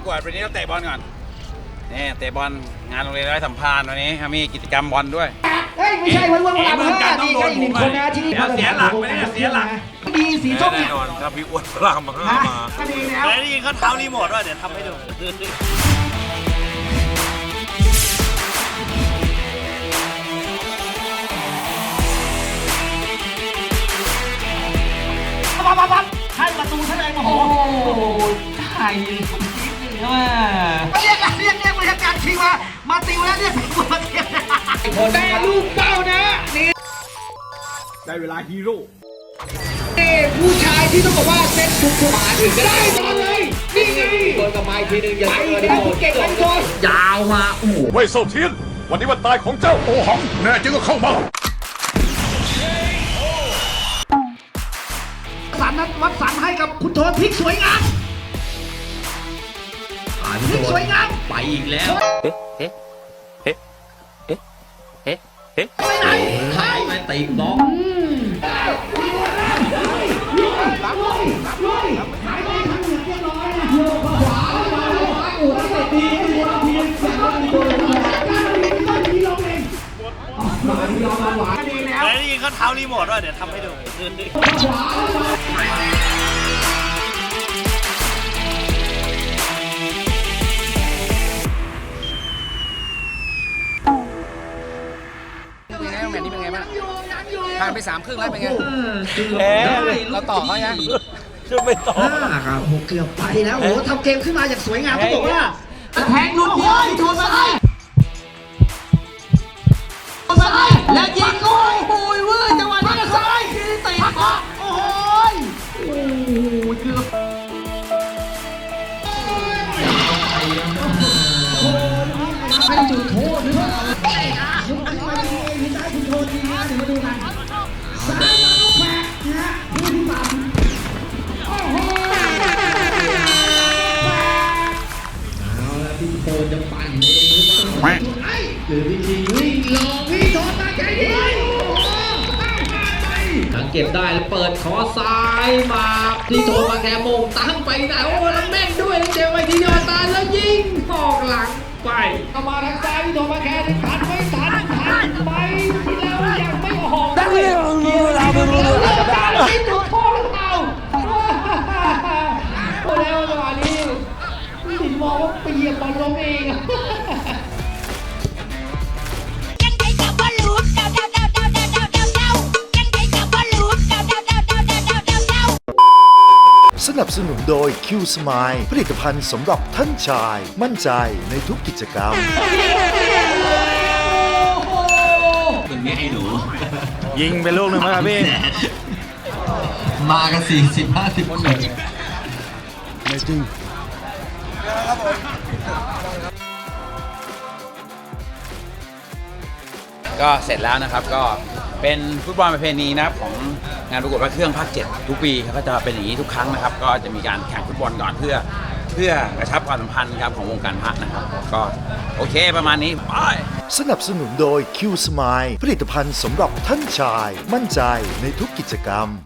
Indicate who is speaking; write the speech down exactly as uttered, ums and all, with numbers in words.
Speaker 1: กวดวันนี้เราเตะบอลก่อนนี่เตะบอลงานโรงเรียนไร้สัมพันธ์วันนี้มีกิจกรรมบอลด้วย
Speaker 2: เฮ้ยไม่ใช่วันวันวันวันนี่ก็อีกหนึ่งคนนะที่เสียหลักไปเนี่ยเสียหลักดีสีส้มเนี่ย
Speaker 3: ถ้าพี่อ้วนพลามมามา
Speaker 2: ก็ดีแล้ว
Speaker 4: แล้วนี่เขาเท้ารีโมทด้วยเดี๋ยวทำให้ดูปั๊บปั๊บปั๊บให้ประตูซะเลยโอ้โหใช่เรียกเรียกเรียกบริการชิงมามาติวแล้วเรียกมาเทียบ
Speaker 2: แต่ลูกเป้านะนี่
Speaker 3: ได้เวลาฮีโร่
Speaker 2: ผู้ชายที่ต้องบอกว่าเซ็ตทุกทุกมาถึงได้ตอนเลยนี่ไงโดนกับไม้ทีนึงอย่าเจอดิโดนเก่งเลยโดนยาวมาโอ้โห
Speaker 3: เว่ยโซเทียนวันนี้วันตายของเจ้าโอหังแน่จริงก็เข้ามา
Speaker 2: สันนั้นวัดสันให้กับคุณโทนพลิกสวยงามพลิกสวยงาม
Speaker 4: ไปอีกแล้วเอ๊ะเอ๊ะเอ๊ะเอ๊ะเอ๊ะเอ๊ะ
Speaker 2: ไปไหน
Speaker 4: หายไปตีบล็อก
Speaker 2: รับเลยรับเลยหายไปทางเหนือเรียบร้อยนะโยกขวาขวาขวาโอ้ยตีตีตีตีการเรียนก็ดีลงเองมาดีลงมาหวานดีแล้ว
Speaker 4: แล้วนี่เขาเท้ารีโมทด้วยเดี๋ยวทำให้ดู
Speaker 2: ขวา
Speaker 1: แมตช์นี้เป็นไงบ้างผ่านไปสามครึ่งแล้วเป็นไง
Speaker 4: แพ้
Speaker 1: เราต่อเขายัง
Speaker 4: คือไม่ต่อ
Speaker 2: ครับโหเกือบไปแล้วโอ้ทำเกมขึ้นมาอย่างสวยงามต้องบอกว่าแทงลูกเดียวโทนซ้ายซ้ายแล้วยิงโอ้ยโอ้ยเว้ยจังหวะนี้ซ้ายเตะโอ้ยโอ้ยเกือบให้จุดโทษหรือเปล่ายุบขึ้นมาดีเองที่ได้คุณโทษดีนะเดี๋ยวมาดูกันสามมาลูกแฝดนะผู้ที่ปั่นโอ้โหเอาละพี่โทนจะปั่นเองหรือเปล่าหรือพี่ทีวิ่งลองพี่โทนมาใจดีหลังเก็บได้แล้วเปิดขอซ้ายมาพี่โทนมาแค่โมงตั้งไปแต่โอ้แล้วแม่งด้วยเจ็บไปทีเดียวตายแล้วยิงออกหลังไปเข้ามาทางซ้ายพี่โทนมาแค่ทันไม่ทันทันไปแล้วยังไม่ออกได้เลยเราไม่รู้เราจะได้พี่โทนโทษหรือเปล่าโอ้แล้วจังหวะนี้พี่ถึงมองว่าไปเหยียบบอลล้มเอง
Speaker 5: สนับสนุนโดย Q Smile ผลิตภัณฑ์สำหรับท่านชายมั่นใจในทุกกิจกรรม
Speaker 4: เป็นไงไอ้หนู
Speaker 3: ยิงไปลูกหนึ่งไหมครับพี่
Speaker 4: มากันสี่สิบห้าสิบคนเลย
Speaker 3: ไม่จริง
Speaker 1: ก็เสร็จแล้วนะครับก็เป็นฟุตบอลประเพณีนะครับของงานประกวดพระเครื่องภาคเจ็ดทุกปีก็จะเป็นอย่างนี้ทุกครั้งนะครับก็จะมีการแข่งฟุตบอลก่อนเพื่อเพื่อกระชับความสัมพันธ์ครับของวงการพระนะครับก็โอเคประมาณนี้ไป
Speaker 5: สนับสนุนโดย Q Smile ผลิตภัณฑ์สำหรับท่านชายมั่นใจในทุกกิจกรรม